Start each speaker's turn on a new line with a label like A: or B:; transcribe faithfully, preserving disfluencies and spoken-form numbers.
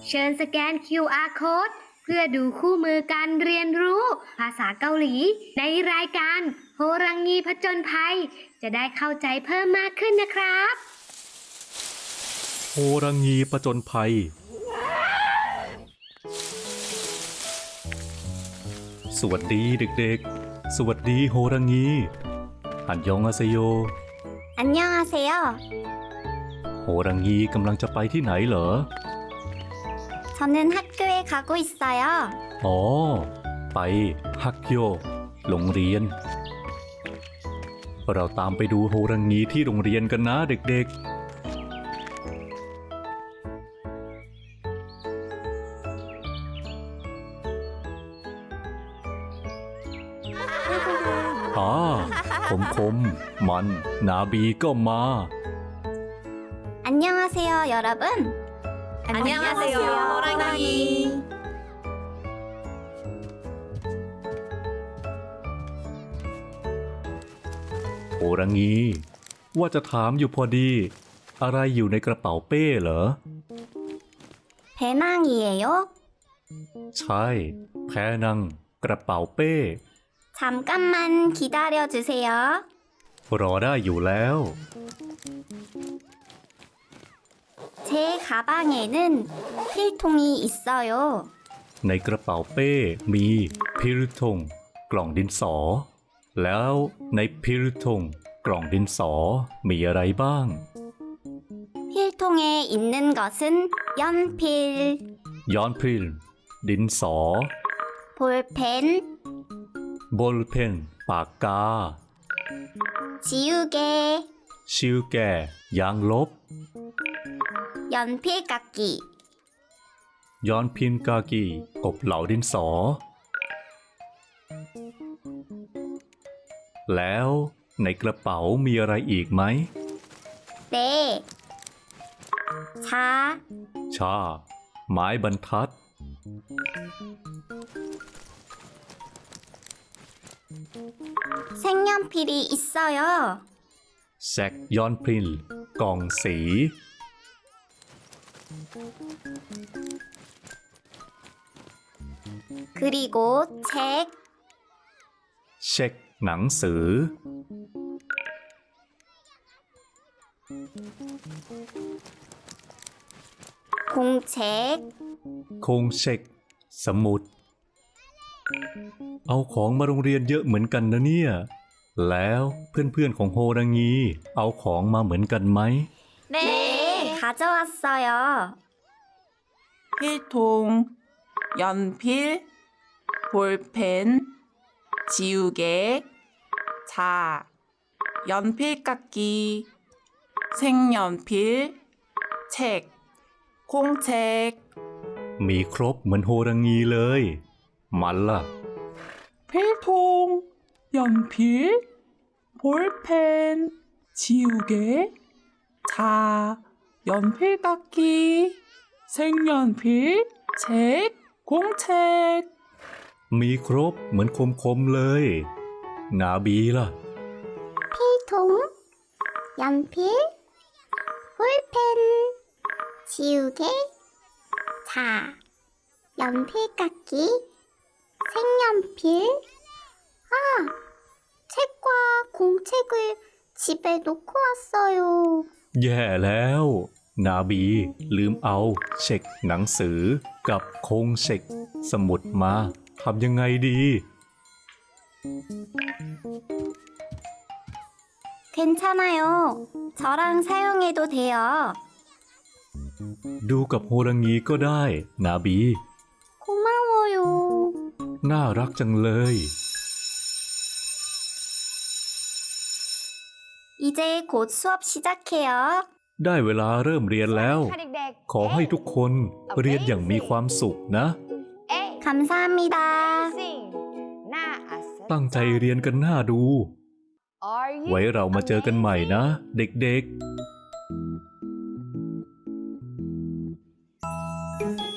A: เชิญสแกน คิว อาร์ Code เพื่อดูคู่มือการเรียนรู้ภาษาเกาหลีในรายการโฮรังงีผจญภัยจะได้เข้าใจเพิ่มมากขึ้นนะครับ
B: โฮรังงีผจญภัยสวัสดีเด็กๆสวัสดีโฮรังงีอันยองอาเซโย
C: 안녕하세요.
B: โฮรังงีกำลังจะไปที่ไหนเหรอ
C: 저는 학교에 가고 있어요.
B: อ๋อ ไปฮักโยโรงเรียน เราตามไปดูโฮรังงีที่โรงเรียนกันนะเด็กๆอ่าคมคมมันนาบีก็มา
C: 안녕하세요, 여러분.
D: 안녕하세요, 호랑이.
B: โฮรังงีว่าจะถามอยู่พอดี อะไรอยู่ในกระเป๋าเป้เหรอ
C: 배낭이에요.
B: ใช่แพนังกระเป๋าเป้
C: 잠깐만 기다려 주세요.
B: รอได้อยู่แล้ว
C: 제 가방에는 필통이 있어요.
B: ในกระเป๋าเป้มีพิรุทงกล่องดินสอ แล้วในพิรุทงกล่องดินสอมีอะไรบ้าง
C: 필통에 있는 것은 연필,
B: ย้อนพิลดินสอ
C: 볼펜,
B: บอลเพนปากกา
C: 지우개,
B: ชิวแก่ยางลบ
C: 연필 깎기,
B: ย้อนพินกากีกบเหลาดินสอ แล้วในกระเป๋ามีอะไรอีกไหม
C: 네, 자,
B: ชา ไม้บรรทัด
C: 색연필이 있어요.
B: แซกย้อนพินกล่องสี
C: 그리고 책,
B: เช็คหนังสือ
C: 공책,
B: คงเช็ค สมุด เอาของมาโรงเรียนเยอะเหมือนกันนะเนี่ย แล้วเพื่อนๆของโฮรังงีเอาของมาเหมือนกันไหม
C: 네, 가져왔어요.
D: 필통, 연필, 볼펜, 지우개, 자, 연필 깎기, 색연필, 책, 공책.
B: มีครบเหมือนโฮรังงีเลย มันล่ะ
D: 필통, 연필, 볼펜, 지우개, 자, 연필 깎기, 색연필, 책, 공책.
B: มีครบเหมือนคมๆเลย นาบีล่ะ
C: 필통, 연필, 볼펜, 지우개, 자, 연필 깎기, 색연필. 아, 책과 공책을 집에 놓고 왔어요.
B: แย่แล้ว นาบีลืมเอาเช็คหนังสือกับคงเช็คสมุดมาทำยังไงดี
C: 괜찮아요. 저랑 사용해도 돼요.
B: ดูกับโฮรังงีก็ได้ นาบี
C: 고마워요.
B: น่ารักจังเลย
C: 이제 곧 수업 시작해요.
B: ได้เวลาเริ่มเรียนแล้ว ขอให้ทุกคนเรียนอย่างมีความสุขนะ
C: 감사합니다.
B: ตั้งใจเรียนกันหน้าดู ไว้เรามาเจอกันใหม่นะ เด็กๆ